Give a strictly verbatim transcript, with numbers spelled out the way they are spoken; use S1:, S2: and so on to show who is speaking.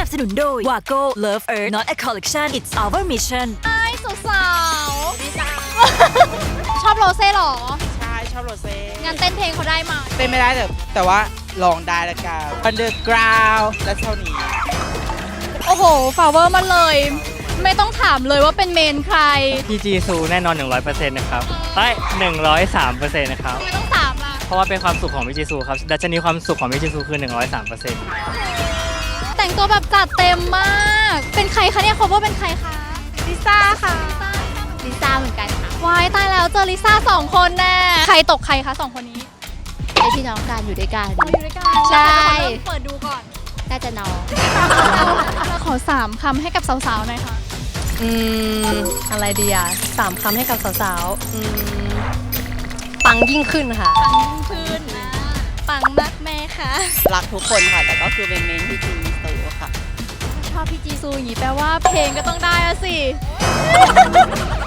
S1: นับสนุนโดย Wago Love Earth Not a Collection It's Our Mission
S2: ไอ้สาวๆชอบโรเซ่หรอ
S3: ใช่ชอบโรเซ่
S2: งานเต้นเพลงเขาได้มา
S3: เต้นไม่ได้แต่แต่ว่าลองได้ละกัน Underground และเท่านี้
S2: โอ้โหฟาเวอร์มาเลย ไม่ต้องถามเลยว่าเป็นเมนใคร
S4: พี่จีซูแน่นอน หนึ่งร้อยเปอร์เซ็นต์ นะครับใช่หนึ่งร้อยสามเปอร์เซ็นต์ นะครับ
S2: ไม่ต้องถามล่ะ
S4: เพราะว่าเป็นความสุขของพี่จีซูครับ ดัชนีความสุขของพี่จีซูคือ หนึ่งร้อยสามเปอร์เซ็นต์
S2: แต่งตัวแบบจัดเต็มมาก เป็นใครคะเนี่ยเขาว่าเป็นใครคะ
S5: ลิซ่าค่ะ
S2: ลิซ่าเหมือนกันค่ะวายตายแล้วเจอลิซ่าสองคนแน่ใครตกใครคะสองคนนี้
S5: เป็นพี่น้องกันอยู่ด้วยกัน
S2: เราอยู่ด้วยกัน
S5: ใช่
S2: แล้วใครเป็นคนเริ่มเปิดดูก่อน
S5: น่าจะน้อง
S2: เราขอสามคำให้กับสาวๆหน่อยค่ะ
S6: อืม อะไรดีอ่ะสามคำให้กับสาวๆอืมปังยิ่งขึ้นค่ะ
S2: ปังยิ่งขึ้นนะปังมากแม่ค่ะ
S3: รักทุกคนค่ะ แต่ก็คือเป็นเมนที่จีซูค่ะ
S2: ชอบพี่จีซูอย่างนี้แปลว่าเพลงก็ต้องได้อะสิ